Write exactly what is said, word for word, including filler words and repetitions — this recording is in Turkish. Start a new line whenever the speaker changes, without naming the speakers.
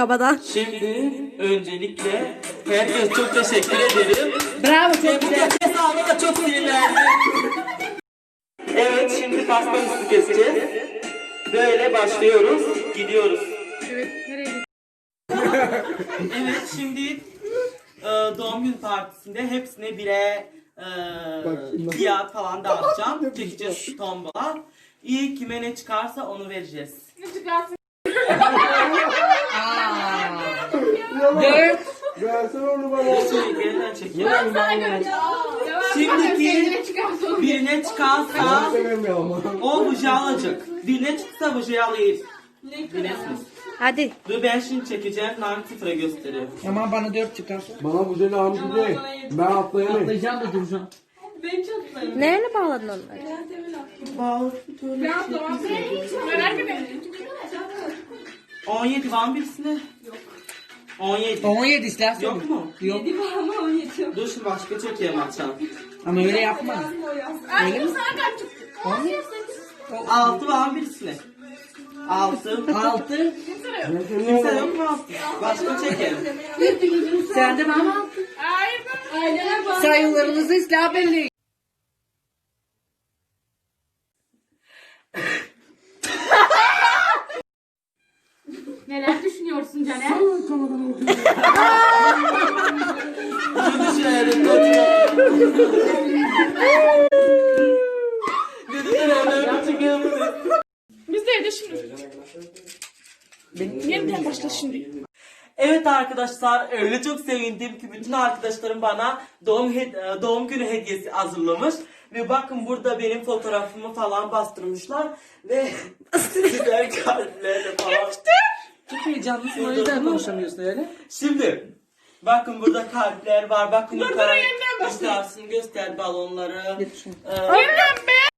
kabadan.
Şimdi öncelikle herkese çok teşekkür ederim.
Bravo, çok
Ve bu
güzel.
kez da çok sinirlendim. Evet, şimdi pastamızı keseceğiz. Böyle başlıyoruz, gidiyoruz.
Evet, nereye gidiyorsun?
Evet, şimdi e, doğum gün partisinde hepsine bire e, fiyat falan dağıtacağım. Çekeceğiz tombola. İyi kime ne çıkarsa onu vereceğiz.
Dört.
Versene onu bana.
Şey, yeniden çekiyorum. Şimdiki birine çıkarsa
Severim ya ama.
o buji alacak. Birine çıksa buji alayım. Bilirsiniz.
Hadi.
Dur ben şimdi çekeceğim. Nane sıfıra gösteriyor.
Aman bana dört çıkar.
Bana bu jeli almış değil. Ben atlayamayım.
Atlayacağım da duracağım.
Neyle bağladın onları?
on yedi var mı birisine? Yok. on yedi.
On yedi istersen.
Yok mu?
Yok.
Dur şimdi başka çekeyim açalım.
Ama öyle yapma. Öyle mi?
altı var mı birisine? altı.
Altı.
Kimse yok mu altı? Başka çekelim.
Sen de bana altı. Sayılarınızı ıslah belli.
Neler düşünüyorsun Caner?
Şunu şöyle koyalım. Lütfen hemen çekelim.
Biz de evde şimdi. Yeniden başla şimdi.
Evet arkadaşlar, öyle çok sevindim ki bütün arkadaşlarım bana doğum hed- doğum günü hediyesi hazırlamış. Ve bakın burada benim fotoğrafımı falan bastırmışlar ve güzel kalplerle falan.
Çok heyecanlısın, o yüzden konuşamıyorsun öyle.
Şimdi bakın burada kalpler var. Bakın yukarı göstersin, göster balonları.
Getir şunu.
Ee,